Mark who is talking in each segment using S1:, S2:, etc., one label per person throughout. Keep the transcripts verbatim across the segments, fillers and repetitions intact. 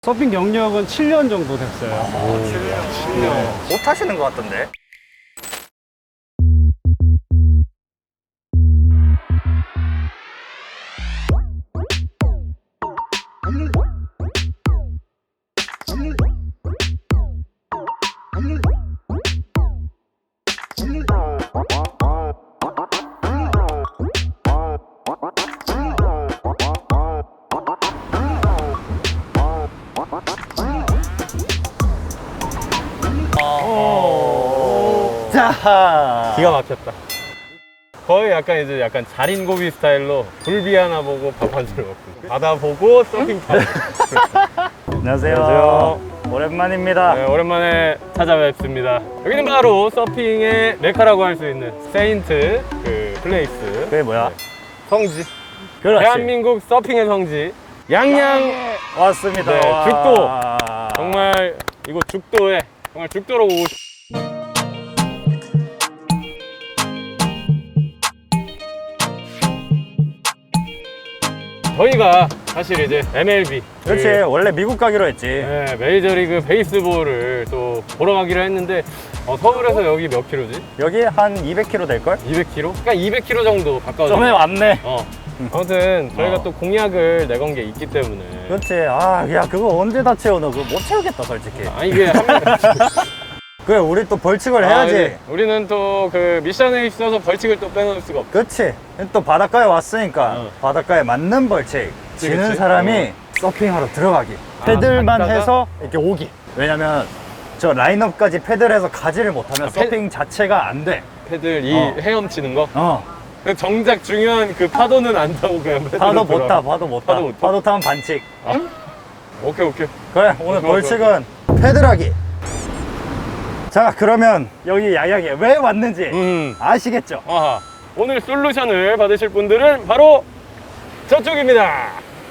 S1: 서핑 경력은 칠 년 정도 됐어요.
S2: 오, 칠 년. 칠 년. 못 타시는 것 같던데? 자,
S3: 기가 막혔다. 거의 약간 이제 약간 자린고비 스타일로 굴비 하나 보고 밥 한 술 먹고 바다 보고 서핑 타고.
S2: 안녕하세요.
S3: 안녕하세요.
S2: 오랜만입니다.
S3: 네, 오랜만에 찾아뵙습니다. 여기는 바로 서핑의 메카라고 할 수 있는 세인트 그 플레이스.
S2: 그게 뭐야?
S3: 네, 성지.
S2: 그렇지.
S3: 대한민국 서핑의 성지. 양양.
S2: 왔습니다.
S3: 네,
S2: 와.
S3: 죽도. 정말 이곳 죽도에 정말 죽도로 오고 싶. 저희가 사실 이제 엠엘비
S2: 그렇지.
S3: 그,
S2: 원래 미국 가기로 했지.
S3: 네, 메이저리그 베이스볼을 또 보러 가기로 했는데 어, 서울에서 여기 몇 킬로지?
S2: 여기 한 이백 킬로미터 될걸?
S3: 이백 킬로? 그러니까 이백 킬로 정도 가까워져.
S2: 좀에 왔네.
S3: 어. 아무튼 저희가
S2: 어.
S3: 또 공약을 내건 게 있기 때문에.
S2: 그렇지. 아, 야, 그거 언제 다 채워? 너 그거 못 채우겠다, 솔직히.
S3: 아 이게 한 명.
S2: 그래, 우리 또 벌칙을 해야지.
S3: 네. 우리는 또 그 미션에 있어서 벌칙을 또 빼놓을 수가 없어.
S2: 그렇지. 또 바닷가에 왔으니까
S3: 어.
S2: 바닷가에 맞는 벌칙. 지는
S3: 그치?
S2: 사람이
S3: 어.
S2: 서핑하러 들어가기.
S3: 아,
S2: 패들만
S3: 갔다가?
S2: 해서 이렇게 오기. 왜냐면 저 라인업까지 패들해서 가지를 못하면
S3: 아, 패-
S2: 서핑 자체가 안 돼.
S3: 패들 이
S2: 어.
S3: 헤엄치는 거.
S2: 어.
S3: 근데 정작 중요한 그 파도는 안 타고 그냥 패들로
S2: 파도 못
S3: 들어가.
S2: 타, 파도 못 타.
S3: 파도 못 타?
S2: 파도 타면 반칙.
S3: 오케이 오케이.
S2: 그래, 오늘
S3: 좋아,
S2: 벌칙은 패들하기. 자, 그러면 여기 야약에 왜 왔는지
S3: 음.
S2: 아시겠죠?
S3: 아하. 오늘 솔루션을 받으실 분들은 바로 저쪽입니다.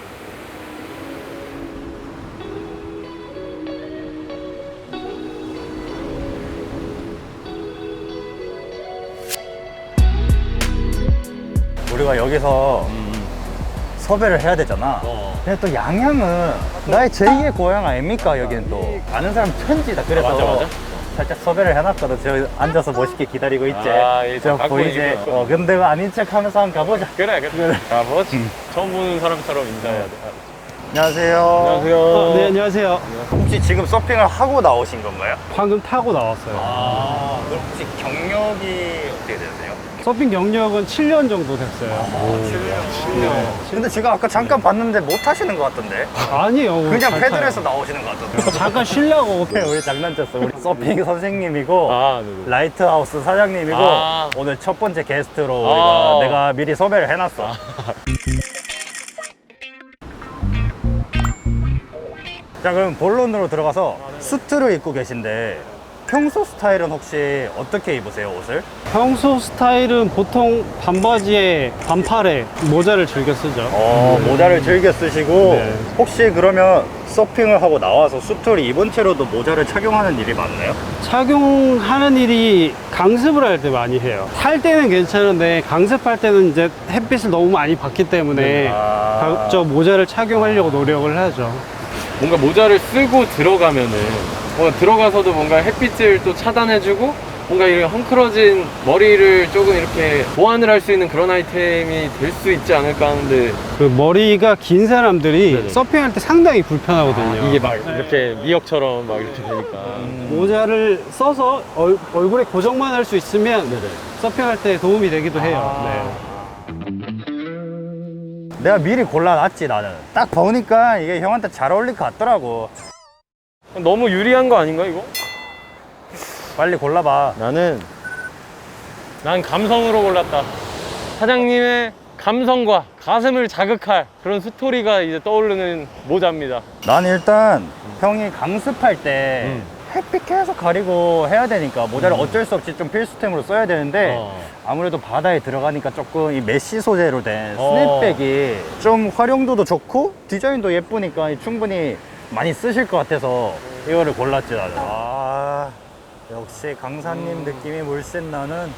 S2: 우리가 여기서 섭외를 해야 되잖아.
S3: 어.
S2: 근데 또 양양은 나의 제이의 고향 아닙니까? 여기는 또 아는 사람 천지다. 그래서
S3: 맞아, 맞아.
S2: 살짝 섭외를 해놨거든. 저 앉아서 멋있게 기다리고 있지.
S3: 아, 예,
S2: 저
S3: 갖고
S2: 보이지?
S3: 있는 거.
S2: 어, 근데 그 아닌 척 하면서 한번 가보자.
S3: 그래 그래. 아, 뭐 처음 보는 사람처럼 인사해야 돼.
S2: 안녕하세요.
S3: 안녕하세요.
S1: 어, 네, 안녕하세요.
S2: 혹시 지금 서핑을 하고 나오신 건가요?
S1: 방금 타고 나왔어요.
S2: 아, 그럼 혹시 경력이 어떻게 되세요?
S1: 서핑 경력은 칠 년 정도 됐어요.
S2: 칠 년. 근데 제가 아까 잠깐 봤는데 못 하시는 것 같던데?
S1: 아니에요. 오늘
S2: 그냥
S1: 잘
S2: 패들에서
S1: 타요.
S2: 나오시는 것 같던데?
S1: 잠깐 쉬려고.
S2: 우리 장난쳤어. 우리 서핑 선생님이고
S3: 아, 네네.
S2: 라이트하우스 사장님이고
S3: 아.
S2: 오늘 첫 번째 게스트로
S3: 아.
S2: 우리가 내가 미리 섭외를 해놨어. 자, 그럼 본론으로 들어가서 수트를 입고 계신데 평소 스타일은 혹시 어떻게 입으세요, 옷을?
S1: 평소 스타일은 보통 반바지에 반팔에 모자를 즐겨 쓰죠.
S2: 어, 모자를 즐겨 쓰시고
S1: 네.
S2: 혹시 그러면 서핑을 하고 나와서 수트를 입은 채로도 모자를 착용하는 일이 많나요?
S1: 착용하는 일이 강습을 할 때 많이 해요. 탈 때는 괜찮은데 강습할 때는 이제 햇빛을 너무 많이 받기 때문에
S2: 아.
S1: 가- 저 모자를 착용하려고 노력을 하죠.
S3: 뭔가 모자를 쓰고 들어가면은 뭔가 들어가서도 뭔가 햇빛을 또 차단해주고 뭔가 이렇게 헝클어진 머리를 조금 이렇게 보완을 할 수 있는 그런 아이템이 될 수 있지 않을까 하는데
S1: 그 머리가 긴 사람들이
S3: 네네.
S1: 서핑할 때 상당히 불편하거든요.
S3: 이게 막 이렇게 미역처럼 막 이렇게 되니까.
S1: 모자를 써서 얼, 얼굴에 고정만 할 수 있으면
S3: 네네.
S1: 서핑할 때 도움이 되기도 해요.
S2: 아. 내가 미리 골라놨지, 나는. 딱 보니까 이게 형한테 잘 어울릴 것 같더라고.
S3: 너무 유리한 거 아닌가 이거?
S2: 빨리 골라봐.
S3: 나는 난 감성으로 골랐다. 사장님의 감성과 가슴을 자극할 그런 스토리가 이제 떠오르는 모자입니다.
S2: 난 일단 형이 강습할 때
S3: 음.
S2: 햇빛 계속 가리고 해야 되니까 모자를 어쩔 수 없이 좀 필수템으로 써야 되는데
S3: 어.
S2: 아무래도 바다에 들어가니까 조금 이 메쉬 소재로 된
S3: 어.
S2: 스냅백이 좀 활용도도 좋고 디자인도 예쁘니까 충분히 많이 쓰실 것 같아서 이거를 골랐지 나는. 아, 역시 강사님 느낌이 물씬 나는.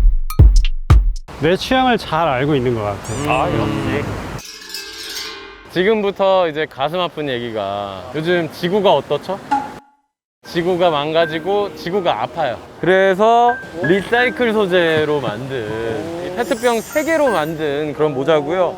S1: 내 취향을 잘 알고 있는 것 같아요.
S2: 아, 역시.
S3: 지금부터 이제 가슴 아픈 얘기가 요즘 지구가 어떻죠? 지구가 망가지고 지구가 아파요. 그래서 리사이클 소재로 만든 이 페트병 세 개로 만든 그런 모자고요.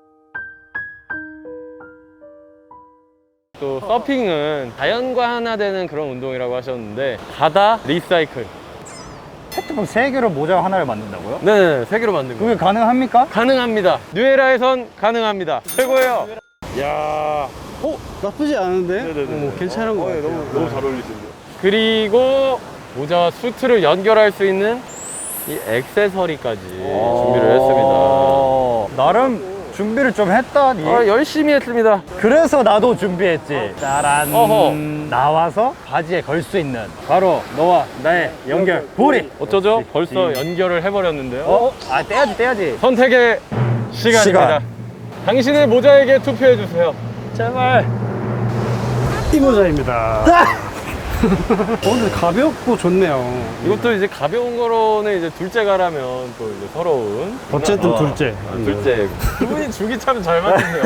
S3: 또 서핑은 자연과 하나 되는 그런 운동이라고 하셨는데 바다 리사이클.
S2: 페트병 세 개로 모자 하나를 만든다고요?
S3: 네, 세 개로 만든
S2: 그게
S3: 거예요.
S2: 가능합니까?
S3: 가능합니다. 뉴에라에선 가능합니다. 최고예요. 야,
S1: 어? 나쁘지 않은데?
S3: 네네네.
S1: 어, 괜찮은 거 같아요.
S3: 너무 잘 어울리시는데요. 그리고 모자와 수트를 연결할 수 있는 이 액세서리까지 준비를 했습니다.
S2: 어, 나름 준비를 좀 했다니.
S3: 아, 열심히 했습니다.
S2: 그래서 나도 준비했지. 짜란.
S3: 어허.
S2: 나와서 바지에 걸 수 있는 바로 너와 나의 연결 고리.
S3: 어쩌죠?
S2: 그렇지.
S3: 벌써 연결을 해버렸는데요.
S2: 어? 아 떼야지 떼야지.
S3: 선택의 시간입니다.
S2: 시간.
S3: 당신의 모자에게 투표해주세요.
S2: 제발.
S1: 이 모자입니다. 어, 근데 가볍고 좋네요.
S3: 이것도 이제 가벼운 거로는 이제 둘째 가라면 또 이제 서러운.
S1: 어쨌든
S3: 어.
S1: 둘째.
S3: 아, 둘째. 두 분이 죽이 참 잘 맞네요.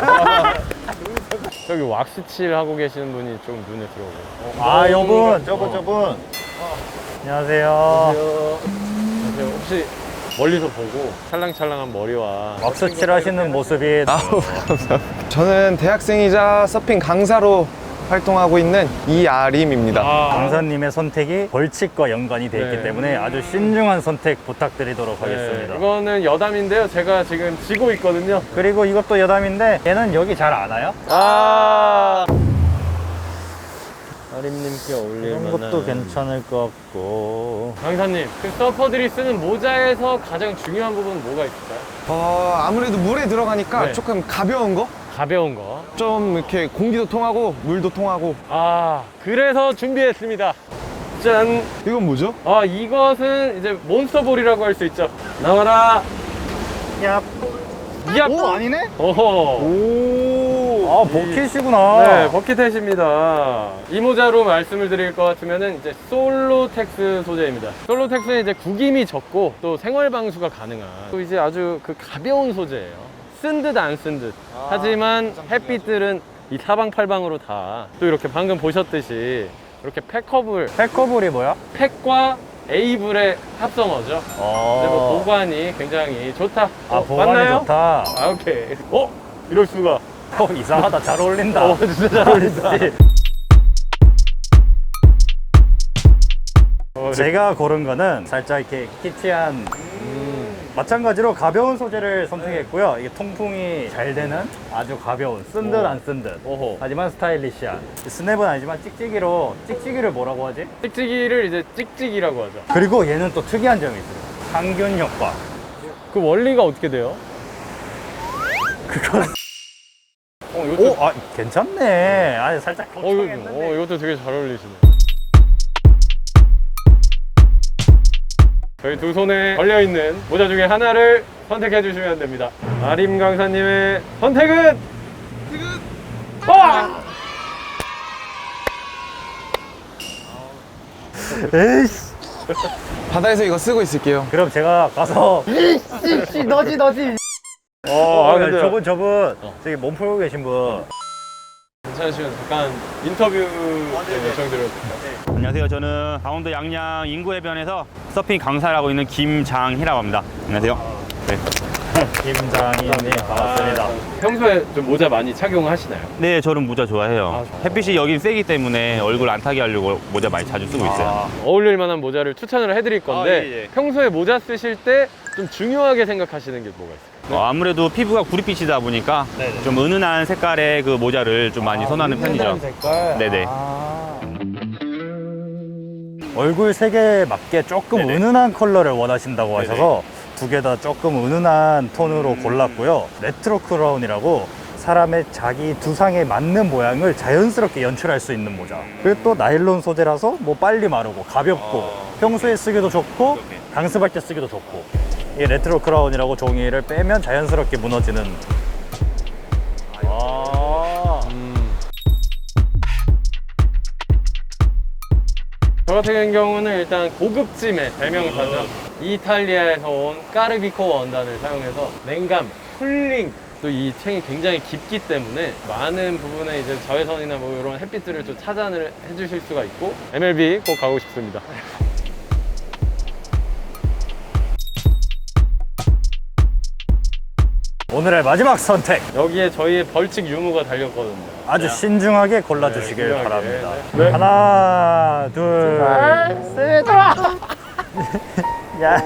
S3: 저기 왁스칠 하고 계시는 분이 좀 눈에 들어오고.
S2: 아 여분
S3: 어.
S2: 저분 저분. 안녕하세요.
S3: 안녕하세요. 혹시 멀리서 보고 찰랑찰랑한 머리와
S2: 왁스칠 하시는 모습이
S4: 아우 감사합니다. 저는 대학생이자 서핑 강사로 활동하고 있는 이아림입니다.
S3: 아,
S2: 강사님의 선택이 벌칙과 연관이 돼 있기
S3: 네.
S2: 때문에 아주 신중한 선택 부탁드리도록
S3: 네,
S2: 하겠습니다.
S3: 이거는 여담인데요. 제가 지금 지고 있거든요.
S2: 그리고 이것도 여담인데 얘는 여기 잘 안 와요?
S3: 아, 아림님께 어울릴
S2: 이런
S3: 만한
S2: 것도 괜찮을 것 같고.
S3: 강사님, 그 서퍼들이 쓰는 모자에서 가장 중요한 부분은 뭐가 있을까요?
S4: 어, 아무래도 물에 들어가니까
S3: 네.
S4: 조금 가벼운 거?
S3: 가벼운 거.
S4: 좀 이렇게 공기도 통하고 물도 통하고.
S3: 아, 그래서 준비했습니다. 짠.
S4: 이건 뭐죠?
S3: 아, 이것은 이제 몬스터볼이라고 할 수 있죠. 나와라.
S2: 야.
S3: 야.
S2: 오 아니네?
S3: 어허.
S4: 오.
S2: 아 버킷이구나.
S3: 네, 버킷햇입니다. 이 모자로 말씀을 드릴 것 같으면은 이제 솔로텍스 소재입니다. 솔로텍스는 이제 구김이 적고 또 생활 방수가 가능한 또 이제 아주 그 가벼운 소재예요. 쓴 듯 안 쓴 듯. 하지만 햇빛들은 이 사방팔방으로 다 또 이렇게 방금 보셨듯이 이렇게 팩커블,
S2: 패커볼이 뭐야?
S3: 팩과 에이블의 합성어죠. 근데 뭐
S2: 어.
S3: 보관이 굉장히 좋다.
S2: 아
S3: 어,
S2: 보관이
S3: 맞나요?
S2: 좋다.
S3: 아, 오케이. 어? 이럴 수가.
S2: 어 이상하다. 잘 어울린다.
S3: 어, 진짜 잘 어울린다. 어,
S2: 제가 고른 거는 살짝 이렇게 키티한
S3: 음.
S2: 마찬가지로 가벼운 소재를 선택했고요. 이게 통풍이 잘 되는 아주 가벼운 쓴 듯
S3: 오.
S2: 안 쓴 듯.
S3: 오호.
S2: 하지만 스타일리시한. 스냅은 아니지만 찍찍이로 찍찍이를 뭐라고 하지?
S3: 찍찍이를 이제 찍찍이라고 하죠.
S2: 그리고 얘는 또 특이한 점이 있어요. 항균 효과.
S3: 그 원리가 어떻게 돼요?
S2: 그건
S3: 어, 이것도,
S2: 오, 아 괜찮네. 아니 살짝
S3: 어, 이거,
S2: 걱정했는데.
S3: 어, 이것도 되게 잘 어울리시네. 저희 두 손에 걸려있는 모자 중에 하나를 선택해 주시면 됩니다. 아림 강사님의 선택은? 와!
S2: 에이씨.
S4: 바다에서 이거 쓰고 있을게요.
S2: 그럼 제가 가서 이씨 너지 너지.
S3: 어, 아, 근데
S2: 저분 저분 저기 몸 풀고 계신 분.
S3: 괜찮으시면 잠깐 인터뷰 요청드렸습니다.
S5: 안녕하세요. 저는 강원도 양양 인구해변에서 서핑 강사를 하고 있는 김장희라고 합니다. 안녕하세요. 네.
S2: 김장희님 반갑습니다.
S3: 평소에 좀 모자 많이 착용하시나요?
S5: 네, 저는 모자 좋아해요.
S3: 아, 좋아요.
S5: 햇빛이 여긴 세기 때문에 얼굴 안 타게 하려고 모자 많이 자주 쓰고 있어요.
S2: 아,
S3: 어울릴 만한 모자를 추천을 해드릴 건데
S5: 아, 예, 예.
S3: 평소에 모자 쓰실 때 좀 중요하게 생각하시는 게 뭐가 있을까요?
S5: 어, 아무래도 피부가 구릿빛이다 보니까
S2: 네네.
S5: 좀 은은한 색깔의 그 모자를 좀 많이 선호하는 편이죠.
S2: 색깔.
S5: 네네.
S2: 아. 얼굴 색에 맞게 조금
S5: 네네.
S2: 은은한 컬러를 원하신다고 하셔서 두 개 다 조금 은은한 톤으로 골랐고요. 레트로 크라운이라고 사람의 자기 두상에 맞는 모양을 자연스럽게 연출할 수 있는 모자. 그리고 또 나일론 소재라서 뭐 빨리 마르고 가볍고 평소에 쓰기도 좋고 강습할 때 쓰기도 좋고. 이 레트로 크라운이라고 종이를 빼면 자연스럽게 무너지는. 아.
S3: 저 같은 경우는 일단 고급짐의 대명사죠. 이탈리아에서 온 까르비코 원단을 사용해서 냉감, 쿨링 또 이 챙이 굉장히 깊기 때문에 많은 부분에 이제 자외선이나 뭐 이런 햇빛들을 좀 차단을 해주실 수가 있고 엠엘비 꼭 가고 싶습니다.
S2: 오늘의 마지막 선택.
S3: 여기에 저희의 벌칙 유무가 달렸거든요.
S2: 아주
S3: 네.
S2: 신중하게 골라주시길
S3: 네, 신중하게.
S2: 바랍니다.
S3: 네.
S2: 하나, 둘, 셋. 야.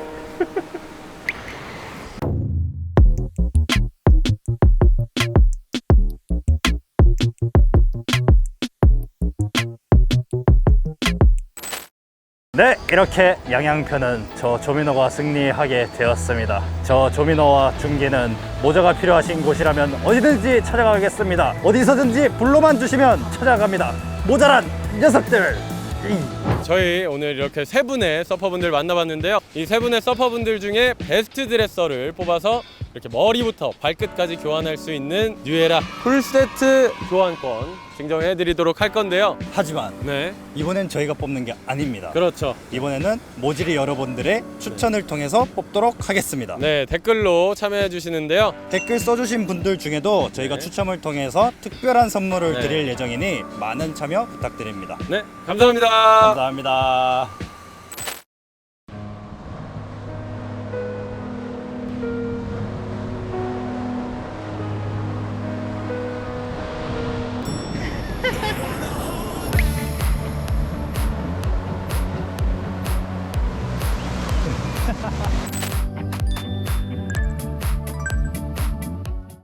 S2: 네, 이렇게 양양편은 저 조민호가 승리하게 되었습니다. 저 조민호와 준기는 모자가 필요하신 곳이라면 어디든지 찾아가겠습니다. 어디서든지 불러만 주시면 찾아갑니다. 모자란 녀석들!
S3: 저희 오늘 이렇게 세 분의 서퍼분들 만나봤는데요. 이 세 분의 서퍼분들 중에 베스트 드레서를 뽑아서 이렇게 머리부터 발끝까지 교환할 수 있는 뉴에라 풀세트 교환권 증정해 드리도록 할 건데요.
S2: 하지만
S3: 네,
S2: 이번엔 저희가 뽑는 게 아닙니다.
S3: 그렇죠.
S2: 이번에는 모질이 여러분들의 추천을 통해서 뽑도록 하겠습니다.
S3: 네, 댓글로 참여해 주시는데요.
S2: 댓글 써주신 분들 중에도 저희가
S3: 네.
S2: 추첨을 통해서 특별한 선물을
S3: 네.
S2: 드릴 예정이니 많은 참여 부탁드립니다.
S3: 네, 감사합니다.
S2: 감사합니다.